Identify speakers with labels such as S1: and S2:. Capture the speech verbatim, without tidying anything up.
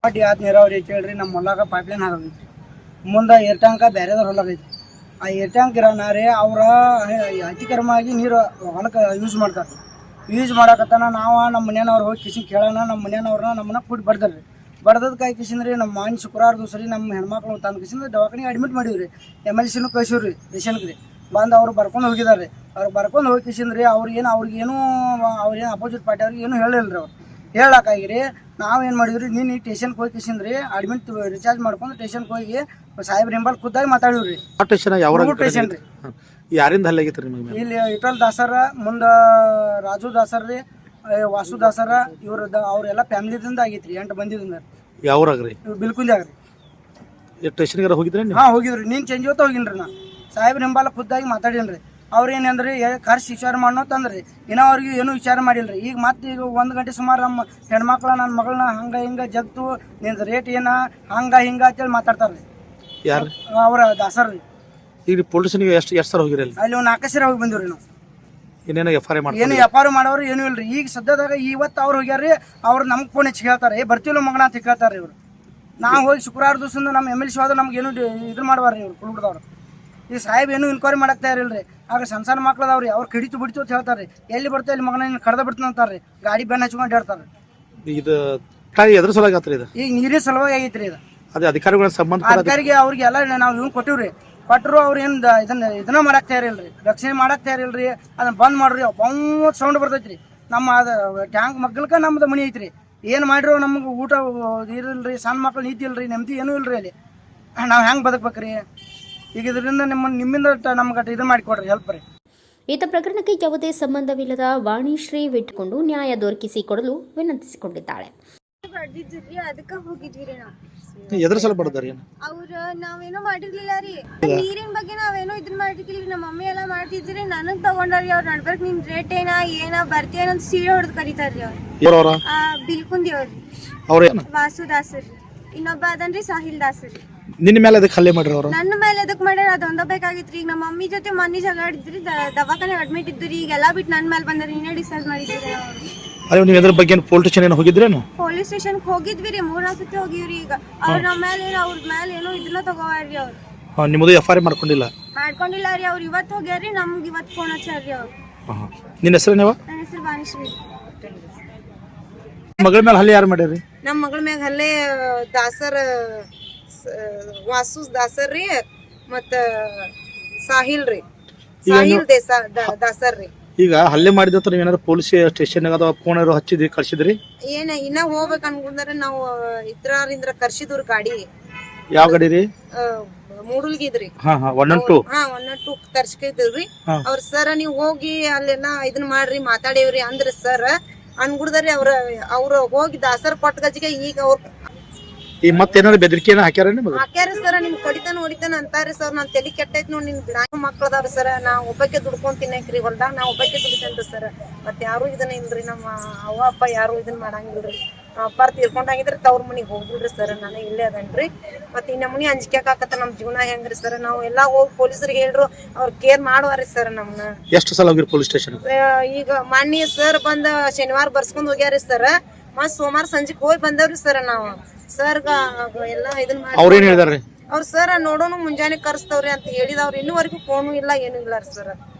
S1: ಯಾತ್ ನೀರಾವರಿ ಕೇಳ್ರಿ ನಮ್ಮ ಹೊಲಾಗ ಪೈಪ್ಲೈನ್ ಹಾಕೈತಿ ಮುಂದೆ ಏರ್ ಟ್ಯಾಂಕ ಬೇರೆದವ್ರ ಹೊಲಾಗೈತಿ ಆ ಏರ್ ಟ್ಯಾಂಕ್ ಇರೋನಾರೇ ಅವರ ಅತಿಕ್ರಮವಾಗಿ ನೀರು ಹೊಲಕ್ಕೆ ಯೂಸ್ ಮಾಡ್ತಾರೆ ಯೂಸ್ ಮಾಡಕತ್ತಾನ ನಾವು ನಮ್ಮ ಮನೆಯವ್ರು ಹೋಗಿ ಕಿಶನ್ ಕೇಳೋಣ ನಮ್ಮ ಮನೆಯವ್ರನ್ನ ನಮ್ಮನ್ನ ಕೂಡಿ ಬಡ್ದಾರ್ರಿ ಬಡ್ದದ ಕಾಯಿ ಕಿಶನ್ರಿ ನಮ್ಮ ಮಾನ್ ಶುಕ್ರವಾರ ದಿವಸ ರೀ ನಮ್ಮ ಹೆಣ್ಮಕ್ಳು ತಂದು ಕಿಶನ್ ದವಾಖಾನೆಗೆ ಅಡ್ಮಿಟ್ ಮಾಡಿವ್ರಿ ಎಮ್ ಎಲ್ ಸಿನೂ ಕಳ್ಸಿವ್ರಿ ಪೇಷಂಟ್ಗೆ ರೀ ಬಂದು ಅವ್ರು ಬರ್ಕೊಂಡು ಹೋಗಿದಾರೆ ಅವ್ರು ಬರ್ಕೊಂಡು ಹೋಗಿ ಕಿಶನ್ರಿ ಅವ್ರಿಗೇನು ಅವ್ರಿಗೇನು ಅವ್ರೇನು ಅಪೋಸಿಟ್ ಪಾರ್ಟಿ ಅವ್ರಿಗೆ ಏನು ಹೇಳಿಲ್ಲ ರೀ ಅವ್ರು ಹೇಳಕ್ಕಾಗಿರಿ ನಾವೇನು ಮಾಡಿದ್ರಿ ನೀನು ಸ್ಟೇಷನ್ಗೆ ಹೋಗಿ ಕಿಶನ್ರಿ ಅಡ್ಮಿಟ್ ರಿಚಾರ್ಜ್ ಮಾಡ್ಕೊಂಡು ಸ್ಟೇಷನ್ಗೆ ಹೋಗಿ ಸಾಹೇಬ್ರ ಹಿಂಬಲ್ ಖುದ್ದಾಗಿ ಮಾತಾಡಿವ್ರಿ ಸ್ಟೇಷನ್ ರೀ
S2: ಯಾರಿಂದ ಹಲ್ಲೆ ಆಗೈತ್ರಿ ನಿಮಗೆ
S1: ಇಲ್ಲಿ ಇಟಲ್ ದಾಸರ ಮುಂದೆ ರಾಜು ದಾಸರ್ ರೀ ವಾಸು ದಾಸರ ಇವ್ರ ಅವ್ರೆಲ್ಲ ಫ್ಯಾಮಿಲಿದಿಂದ ಆಗೈತ್ರಿ ಎಂಟು ಬಂದಿದಿಂದ
S2: ಯಾವ್ರಾಗ್ರಿ
S1: ಬಿಲ್ಕುಂಜಾಗ ರೀ
S2: ಸ್ಟೇಷನ್ಗಾರ ಹೋಗಿದ್ರಿ
S1: ಹಾಂ ಹೋಗಿದ್ರಿ ನೀನು ಚೇಂಜ್ ಹೊತ್ತ ಹೋಗಿನ್ರಿ ನಾ ಸಾಹೇಬ್ರ ಹಿಂಬಾಲ ಖುದ್ದಾಗಿ ಮಾತಾಡೀನಿ ಅವ್ರು ಏನಂದ್ರಿ ಖರ್ಚು ವಿಚಾರ ಮಾಡೋ ತಂದ್ರಿ ಇನ್ನೂ ಅವ್ರಿಗೆ ಏನೂ ವಿಚಾರ ಮಾಡಿಲ್ರಿ ಈಗ ಮತ್ತೆ ಈಗ ಒಂದು ಗಂಟೆ ಸುಮಾರು ನಮ್ಮ ಹೆಣ್ಮಕ್ಳ ನನ್ನ ಮಗಳನ್ನ ಹಂಗೆ ಹಿಂಗೆ ಜಗ್ತು ನಿಂದು ರೇಟ್ ಏನ ಹಂಗೆ ಹಿಂಗೆ ಅಂತೇಳಿ ಮಾತಾಡ್ತಾರೆ ರೀ
S2: ಯಾರು
S1: ಅವ್ರ ದಾಸರ್ ರೀ
S2: ಈಗ ಪೊಲೀಸ್ ಸ್ಟೇಷನ್ಗೆ ಎಷ್ಟು ಎಷ್ಟು ಸಲ ಹೋಗಿರಿ
S1: ಅಲ್ಲಿ ಒಂದು ನಾಲ್ಕು ಸರಿ ಹೋಗಿ ಬಂದಿವ್ರಿ ನಾವು
S2: ಏನೇನೋ ಎಫ್ ಐ ಆರ್ ಮಾಡಿ
S1: ಏನು ವ್ಯಾಪಾರ ಮಾಡೋರು ಏನೂ ಇಲ್ರಿ ಈಗ ಸದ್ಯದಾಗ ಇವತ್ತು ಅವ್ರು ಹೋಗ್ಯಾರ್ರಿ ಅವ್ರು ನಮ್ಗೆ ಫೋನ್ ಹೆಚ್ಚು ಹೇಳ್ತಾರೆ ಏ ಬರ್ತಿಲ್ಲ ಮಗನ ಅಂತ ಕೇಳ್ತಾರೆ ಇವ್ರು ನಾವು ಹೋಗಿ ಶುಕ್ರವಾರ ದಿವಸದಿಂದ ನಮ್ಮ ಎಮ್ ಎಲ್ ಸಿ ಹೋದ್ರೆ ನಮ್ಗೆ ಏನು ಇದು ಮಾಡ್ಬಾರ್ರಿ ಇವ್ರು ಕುಲ್ಬಿಡ್ದವ್ರು ಈ ಸಾಹೇಬ್ ಏನು ಇನ್ಕ್ವೈರಿ ಮಾಡಕ್ತಾ ಇರಲ್ರಿ ಆಗ ಸಣ್ಣ ಸಣ್ಣ ಮಕ್ಳದವ್ರಿ ಅವ್ರು ಕಡಿತು ಬಿಡ್ತು ಅಂತ ಹೇಳ್ತಾರೆ ಎಲ್ಲಿ ಬರ್ತಾ ಇಲ್ಲಿ ಮಗನ ಕಡ್ದ ಬಿಡ್ತಾನೆ ಅಂತಾರೆ ಗಾಡಿ ಬೆನ್ನ ಹಚ್ಕೊಂಡು ಹೇಳ್ತಾರೆ
S2: ಇದು ಎದ್ರ ಸಲುವಾಗಿ ಆತ್ರಿ ಇದು
S1: ಈಗ ನೀರಿನ ಸಲುವಾಗಿ ಆಗೈತ್ರಿ ಇದು
S2: ಅದೇ ಅಧಿಕಾರಿಗಳ ಸಂಬಂಧ
S1: ಅಧಿಕಾರಿಗೆ ಅವ್ರಿಗೆ ಎಲ್ಲ ನಾವು ಇವ್ನು ಕೊಟ್ಟಿವ್ರಿ ಕೊಟ್ಟರು ಅವ್ರು ಏನು ಇದನ್ನ ಇದನ್ನ ಮಾಡಕ್ ತಯಾರಿಲ್ರಿ ರಕ್ಷಣೆ ಮಾಡಕ್ ತಯಾರಿಲ್ರಿ ಅದನ್ನ ಬಂದ್ ಮಾಡ್ರಿ ಬಂದ್ ಸೌಂಡ್ ಬರ್ತೈತ್ರಿ ನಮ್ಮ ಅದ ಟ್ಯಾಂಕ್ ಮಗ್ಗಲ್ಕ ನಮ್ದು ಮನಿ ಐತ್ರಿ ಏನು ಮಾಡಿರೋ ನಮ್ಗೆ ಊಟ ಇರಲ್ರಿ ಸಣ್ಣ ಮಕ್ಳು ನೀತಿ ಇಲ್ರಿ ನೆಮ್ಮದಿ ಏನೂ ಇಲ್ರಿ ಅಲ್ಲಿ ನಾವು ಹೆಂಗೆ ಬದುಕ್ಬೇಕ್ರಿ ಈಗ ಇದರಿಂದ ನಿಮ್ಮ ನಿಮ್ಮಿಂದ ನಮ್ಗೆ ಇದು ಮಾಡಿಕೊಡ್ರಿ ಹೆಲ್ಪ್ ರೀ
S3: ಈತ ಪ್ರಕರಣಕ್ಕೆ ಯಾವುದೇ ಸಂಬಂಧವಿಲ್ಲದ ವಾಣಿಶ್ರೀ ಬಿಟ್ಟುಕೊಂಡು ನ್ಯಾಯ ದೊರಕಿಸಿಕೊಡಲು ವಿನಂತಿಸಿಕೊಂಡಿದ್ದಾಳೆ.
S4: ಅದಕ್ಕ ಹೋಗಿದ್ವಿ ನಾವು
S2: ಎದ್ರ ಸಲ ಬಡದಾರಿ
S4: ಅವ್ರ ನಾವೇನೋ ಮಾಡಿರ್ಲಿಲ್ಲ ರೀ ನೀರಿನ ಬಗ್ಗೆ ನಾವೇನೋ ಇದನ್ನ ಮಾಡಿರ್ಲಿಲ್ಲ ನಮ್ಮ ಮಮ್ಮಿ ಎಲ್ಲ ಮಾಡ್ತಿದ್ರಿ ನನಗ್ ತಗೊಂಡ್ರಿ ಅವ್ರ ನಡ್ಬರ್ಕ್ ನಿನ್ ರೇಟ್ ಏನ ಏನ ಬರ್ತೀಯ ಅಂತ ಸೀರೆ ಹೊಡೆದ್ ಕರೀತಾರ್ರಿ ಅವ್ರು ಬಿಲ್ಕುಂದಿ ಅವ್ರಿ ವಾಸು ದಾಸರ್ ಇನ್ನೊಬ್ಬ ಅದನ್ರಿ ಸಾಹಿಲ್ ದಾಸರ್
S2: ನಿನ್ನ ಮೇಲೆ ಅದಕ್ಕೆ ಹಲ್ಲೆ ಮಾಡ್ರಿ ಅವರು
S4: ನನ್ನ ಮೇಲೆ ಅದಕ್ಕೆ ಮಾಡ್ಯಾರ ಅದೊಂದ ಬೇಕಾಗಿತ್ರಿ ಈಗ ನಮ್ಮ ಮಮ್ಮಿ ಜೊತೆ ಮನಿ ಜಗಾಡಿದ್ರಿ ದವಾಖಾನೆ ಅಡ್ಮಿಟ್ ಇದ್ರಿ ಈಗ ಎಲ್ಲಾ ಬಿಟ್ಟು ನನ್ನ ಮೇಲೆ ಬಂದ್ರಿ ನೀನೇ ಡಿಸೈಡ್ ಮಾಡಿದ್ರಿ
S2: ಅಯ್ಯೋ ನೀವು ಇದ್ರ ಬಗ್ಗೆ ಪೊಲೀಸ್ ಸ್ಟೇಷನ್ ಹೋಗಿದ್ರೇನು
S4: ಪೊಲೀಸ್ ಸ್ಟೇಷನ್ ಹೋಗಿದ್ವಿ ರೀ ಮೂರ್ನಾಲ್ಕು ಸತಿ ಹೋಗಿವ್ರಿ ಈಗ ಅವ್ರ ನಮ್ಮ ಮೇಲೆ ಅವ್ರ ಮೇಲೆ ಏನೋ ಇದನ್ನ ತಗೋವಾರ್ರಿ ಅವ್ರು
S2: ನಿಮ್ಮದು ಎಫ್ ಐ ಆರ್ ಮಾಡ್ಕೊಂಡಿಲ್ಲ
S4: ಮಾಡ್ಕೊಂಡಿಲ್ಲ ರೀ ಅವ್ರು ಇವತ್ತು ಹೋಗ್ಯಾರ್ರಿ ನಮ್ಗೆ ಇವತ್ತು ಫೋನ್ ಹಚ್ಚಾರ್ರಿ ಅವ್ರು
S2: ನಿನ್ನ ಹೆಸರೇನವ
S4: ನನ್ನ ಹೆಸರು ವಾಣಿಶ್ರೀ
S2: ಮಗಳ ಮೇಲೆ ಹಲ್ಲೆ ಯಾರು ಮಾಡ್ಯಾರಿ
S5: ನಮ್ಮ ಮಗಳ ಮ್ಯಾಗ ಹಲ್ಲೆ ದಾಸರ್ ವಾಸು ದಾಸರ್ ರೀ ಮತ್ತ ಸಾಹಿಲ್ ರೀ ಸಾಹಿಲ್ ದೇಸಾ ದಾಸರ್ ರೀ
S2: ಈಗ ಹಲ್ಲೆ ಮಾಡಿದ ನೀವು ಏನಾದ್ರು ಪೊಲೀಸ್ ಸ್ಟೇಷನ್ ಅಥವಾ ಫೋನ್ ಹಚ್ಚಿದ್ರಿ ಕಳ್ಸಿದ್ರಿ
S5: ಏನ ಇನ್ನ ಹೋಗ್ಬೇಕು ಅನ್ಕೊಂಡ್ರೆ ನಾವು ಇದ್ರಿಂದ ಕರ್ಸಿದ್ರಿ ಗಾಡಿ
S2: ಯಾವ ಗಾಡಿ ರೀ
S5: ಮೂಡಲ್ಗಿದ್ರಿ
S2: ಹಾ ಹಾ ಒನ್ ಒನ್ ಟು
S5: ಹಾ ಒನ್ ಒನ್ ಟು ಕರ್ಸ್ಕಿದ್ರಿ ಅವ್ರ ಸರ್ ನೀವ್ ಹೋಗಿ ಅಲ್ಲೆಲ್ಲ ಇದನ್ ಮಾಡ್ರಿ ಮಾತಾಡೇವ್ರಿ ಅಂದ್ರ ಸರ್ ಅನ್ಗುಡ್ದಾರಿ ಅವ್ರ ಅವ್ರ ಹೋಗಿ ದಾಸರ್ ಕೊಟ್ಟ ಗಜಿಗೆ ಈಗ ಅವ್ರ
S2: ಈ ಮತ್ತೇನಾದ್ರು ಬೆದರಿಕೆ ಹಾಕ್ಯಾರ
S5: ಹಾಕ್ಯಾರ ಸರ್ ನಿಮ್ ಕಡಿತಾನ ಹೊಡಿತಾನ ಅಂತಾರಿ ಸರ್ ನಾನ್ ತಲೆ ಕೆಟ್ಟೈತ್ ನೋಡ್ ನಿಮ್ ನಾಲ್ಕು ಮಕ್ಳದಾವ್ರಿ ಸರ್ ನಾ ಒಬ್ಬಕ್ಕೆ ದುಡ್ಕೊಂಡ್ ತಿನ್ನಕ್ರಿ ಹೊಲ್ದಾಗ ನಾ ಒಬ್ಬಕ್ಕೆ ದುಡಿತೇನ್ರಿ ಸರ್ ಮತ್ ಯಾರು ಇದನ್ನ ಇಲ್ರಿ ನಮ್ಮ ಅವ್ವ ಅಪ್ಪ ಯಾರು ಇದನ್ ಮಾಡಂಗಿಲ್ರಿ ಅಪ್ಪಾರ ತೀರ್ಕೊಂಡಾಗಿದ್ರಿ ತವ್ರ ಮನಿಗ್ ಹೋಗಿಲ್ರಿ ಸರ್ ನಾನು ಇಲ್ಲೇ ಅದನ್ರಿ ಮತ್ ಈ ನಮ್ಮನಿ ಅಂಜಿಕೆ ಹಾಕತ್ತ ನಮ್ ಜೀವನ ಹೆಂಗ್ರಿ ಸರ್ ನಾವು ಎಲ್ಲಾ ಹೋಗಿ ಪೊಲೀಸರಿಗೆ ಹೇಳ್ರು ಅವ್ರ ಕೇರ್ ಮಾಡುವಾರಿ ಸರ್ ನಮ್ನ
S2: ಎಷ್ಟು ಸಲ ಹೋಗಿರಿ ಪೊಲೀಸ್ ಸ್ಟೇಷನ್
S5: ಈಗ ಮಾನ್ಯ ಸರ್ ಬಂದ ಶನಿವಾರ ಬರ್ಸ್ಕೊಂಡ್ ಹೋಗ್ಯಾರಿ ಸರ್ ಮತ್ ಸೋಮವಾರ ಸಂಜೆಗ್ ಹೋಗಿ ಬಂದವ್ರಿ ಸರ್ ನಾವ್ ಸರ್ ಎಲ್ಲಾ ಇದನ್
S2: ಅವ್ರ ಏನ್ ಹೇಳಿದಾರ್ರಿ
S5: ಅವ್ರ ಸರ್ ನೋಡೋನು ಮುಂಜಾನೆ ಕರ್ಸ್ತವ್ರಿ ಅಂತ ಹೇಳಿದವ್ರು ಇನ್ನೂವರೆಗೂ ಫೋನು ಇಲ್ಲ ಏನು ಇಲ್ಲ ಸರ್